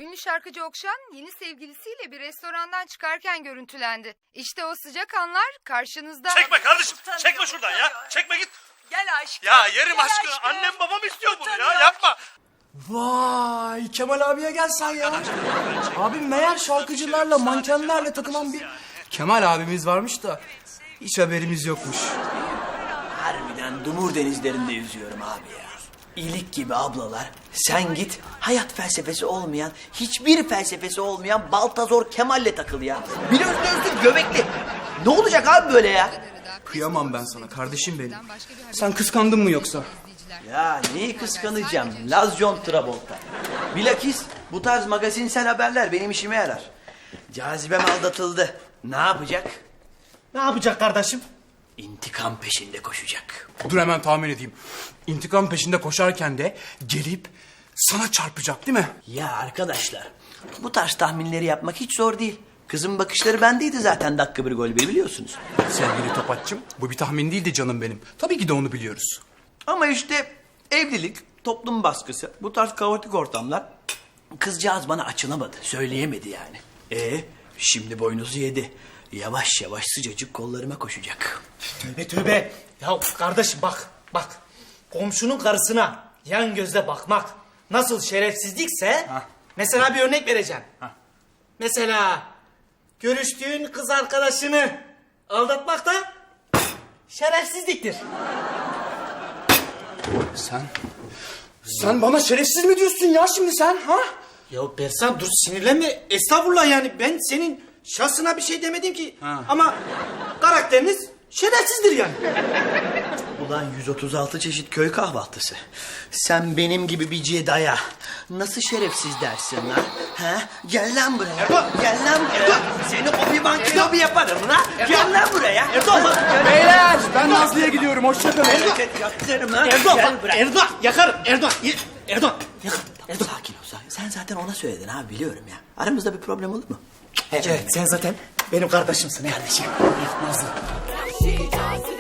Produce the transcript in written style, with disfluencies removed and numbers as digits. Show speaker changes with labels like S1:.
S1: Ünlü şarkıcı Okşan yeni sevgilisiyle bir restorandan çıkarken görüntülendi. İşte o sıcak anlar karşınızda.
S2: Çekme kardeşim, çekme şuradan ya. Çekme git.
S3: Gel aşkım.
S2: Ya yerim
S3: gel
S2: aşkına.
S3: aşkım.
S2: Annem babam istiyor bunu ya.
S3: Utanıyor.
S2: Yapma.
S4: Vay Kemal abiye gel sen ya. Abi meğer şarkıcılarla mankenlerle takılan bir Kemal abimiz varmış da hiç haberimiz yokmuş.
S5: Harbiden dumur denizlerinde yüzüyorum abi ya. İlik gibi ablalar. Sen git hayat felsefesi olmayan, hiçbir felsefesi olmayan Baltazor Kemal'le takıl ya. Bir özlü göbekli. Ne olacak abi böyle ya?
S4: Kıyamam ben sana kardeşim benim. Sen kıskandın mı yoksa?
S5: Ya neyi kıskanacağım? Laz John Travolta. Bilakis bu tarz magazinsel haberler benim işime yarar. Cazibem aldatıldı. Ne yapacak?
S6: Ne yapacak kardeşim?
S5: İntikam peşinde koşacak.
S4: Dur hemen tahmin edeyim. İntikam peşinde koşarken de gelip sana çarpacak değil mi?
S5: Ya arkadaşlar, bu tarz tahminleri yapmak hiç zor değil. Kızın bakışları bendeydi zaten dakika bir gol bir biliyorsunuz.
S4: Sevgili Topatçım, bu bir tahmin değildi canım benim. Tabii ki de onu biliyoruz.
S5: Ama işte evlilik, toplum baskısı, bu tarz kaotik ortamlar... Kızcağız bana açılamadı, söyleyemedi yani. Şimdi boynuzu yedi. Yavaş yavaş sıcacık kollarıma koşacak.
S6: Tövbe tövbe. Ya kardeşim bak. Komşunun karısına yan gözle bakmak nasıl şerefsizlikse... Mesela bir örnek vereceğim. Mesela görüştüğün kız arkadaşını aldatmak da şerefsizliktir.
S4: Sen bana şerefsiz mi diyorsun ya şimdi sen ha?
S6: Ya Bersan dur sinirlenme. Estağfurullah yani ben senin şahsına bir şey demedim ki. Ama karakteriniz şerefsizdir yani.
S5: Ulan 136 çeşit köy kahvaltısı. Sen benim gibi bir cedaya nasıl şerefsiz dersin lan? Ha? Gel lan buraya.
S6: Erdoğan!
S5: Gel lan buraya. Seni obi-wan kenobi yaparım lan. Gel lan buraya.
S6: Erdoğan!
S4: Beyler ben Nazlı'ya gidiyorum hoşçakalın.
S5: Yaktırım lan.
S6: Erdoğan!
S5: Gel buraya.
S6: Erdoğan! Yakarım! Erdoğan! Erdoğan! Yakarım! Erdoğan!
S5: Sakin ol sakin. Sen zaten ona söyledin abi biliyorum ya. Aramızda bir problem olur mu?
S6: Evet sen zaten benim kardeşimsin. Kardeşim. Nazlı.